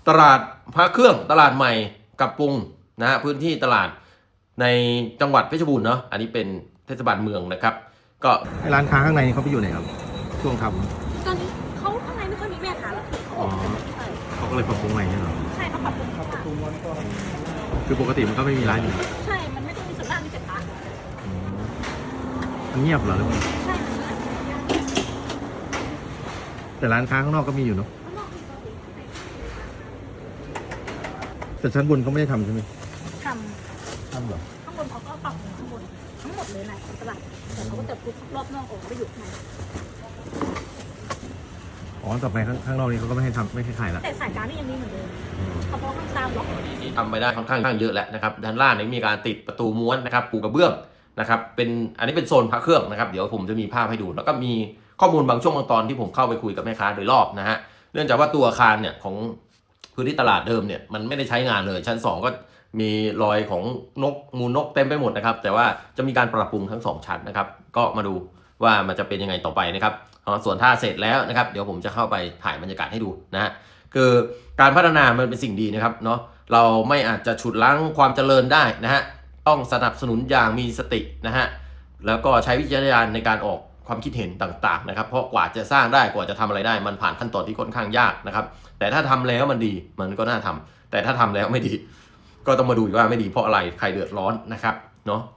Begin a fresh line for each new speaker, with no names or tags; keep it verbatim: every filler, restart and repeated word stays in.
ตลาดพระเครื่องตลาดใหม่กับปรุงนะฮะพื้นที่ตลาดในจังหวัดเพชรบูรณ์เนาะอันนี้เป็นเทศบาลเมืองนะครับก็
ร้านค้าข้างในเขาไปอยู่ไหนครับช่วงท
ตอนนี้เขาข้างในไม่ค่อยมีแม่ค้าแล้วคือเขาออกใช่
ำเขาก็เลยปรับปรุงใหม่ใช่ไหม
ใช่เขาปรับปรุงเขาว่า
คือปกติมันก็ไม่มีร้านอยู่
ใช่มันไม่ต้องมีส่วนล่างมีแต่พระ
มันเงียบเหรอหรือเปล่า
ใช่มันเลย
แต่ร้านค้าข้างนอกก็มีอยู่เนาะ
ข้างนอกมีปกติ
แต่ชั้นบนเขาไม่ได้ทำใช่ไหม
ท
ทำเหรอ
ำข้างบนเขาก็ปรับปรุงข้างบนทั้งหมดเลยนะตลาดแต่เขาก็จะพุทรอบนอกออกไปอยู่ข้างใน
อ๋อต่อไปข้างข้างนอกนี้เขาก็ไม่ให้ทำไม่ให้ขายละ
แต่สายการนี่ยังมีเหมือนเดิมเฉพาะข้างตามล็อก
ที่ทำไปได้ค่อนข้างเยอะแล้วนะครับด้านล่างนี้มีการติดประตูม้วนนะครับปูกระเบื้องนะครับเป็นอันนี้เป็นโซนพระเครื่องนะครับเดี๋ยวผมจะมีภาพให้ดูแล้วก็มีข้อมูลบางช่วงบางตอนที่ผมเข้าไปคุยกับแม่ค้าโดยรอบนะฮะเนื่องจากว่าตัวอาคารเนี่ยของพื้นที่ตลาดเดิมเนี่ยมันไม่ได้ใช้งานเลยชั้นสองก็มีรอยของนกมูลนกเต็มไปหมดนะครับแต่ว่าจะมีการปรับปรุงทั้งสองชั้นนะครับก็มาดูว่ามันจะเป็นยังไงต่อไปนะครับส่วนถ้าเสร็จแล้วนะครับเดี๋ยวผมจะเข้าไปถ่ายบรรยากาศให้ดูนะฮะคือการพัฒนามันเป็นสิ่งดีนะครับเนาะเราไม่อาจจะฉุดล้างความเจริญได้นะฮะต้องสนับสนุนอย่างมีสตินะฮะแล้วก็ใช้วิจารณญาณในการออกความคิดเห็นต่างๆนะครับเพราะกว่าจะสร้างได้กว่าจะทำอะไรได้มันผ่านขั้นตอนที่ค่อนข้างยากนะครับแต่ถ้าทำแล้วมันดีมันก็น่าทำแต่ถ้าทำแล้วไม่ดีก็ต้องมาดูว่าไม่ดีเพราะอะไรใครเดือดร้อนนะครับเนาะ